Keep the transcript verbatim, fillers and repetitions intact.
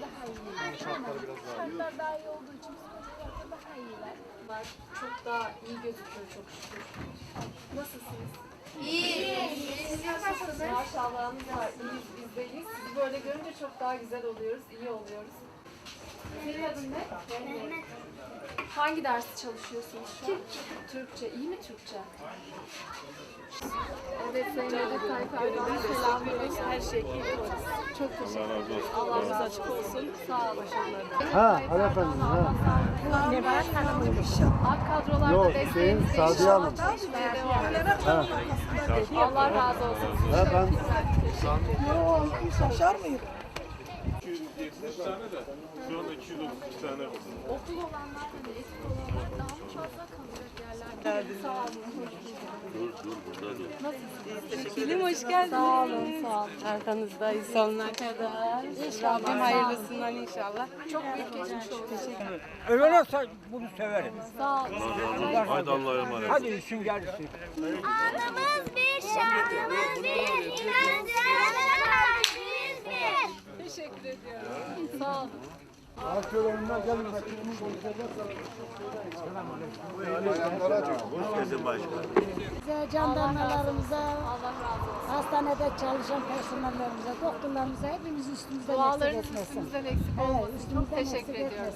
daha iyiler. Şartları biraz daha iyi. Şartlar daha iyi olduğu için psikolojilerde daha iyiler. Bunlar çok daha iyi gözüküyor çok şükür. Nasılsınız? İyi. Maşallahınız var. İyiyiz, biz de iyiyiz. Sizi böyle görünce çok daha güzel oluyoruz, iyi oluyoruz. Senin adın ne? Mehmet. Hangi dersi çalışıyorsunuz şu an? Türkçe. Türkçe. İyi mi Türkçe? Evet, Sayın Recep Tayyip Erdoğan'a selamlıyoruz. Her şey iyi. Çok teşekkür ederim. Allah razı açık olsun. Sağ olun. Ha, hanımefendi, ha. Ne var? Alt kadrolarda Yok, desteğiniz şeyin, değişiyor. Sadiye Hanım. Değişmeye devam ediyor. Ha. Allah razı olsun. Ha, ben Şaşar mıyım? iki yüz yetmiş tane de şu anda iki yüz otuz iki tane var. Okul olanlar hani eski olanlar daha mı fazla kalacak yerlerde? Sağ olun. Teşekkürüm, hoş geldiniz. Sağ olun, sağ olun. Arkanızdayız sonuna kadar. Rabbim hayırlısından inşallah. Çok büyük geçmiş olsun. Ölene bunu severim. Sağ olun. Hadi Allah'a emanet. Hadi işim gelsin. Anımız bir, şanımız bir, inancımız bir. Teşekkür ediyorum. Sağ olun. Bize, jandarmalarımıza, Allah razı olsun. hastanede çalışan personellerimize, doktorlarımıza hepimiz üstümüzden eksik Dualarınız etmesin. üstümüzden eksik Evet, olmasın. Çok üstümüzden teşekkür eksik ediyoruz.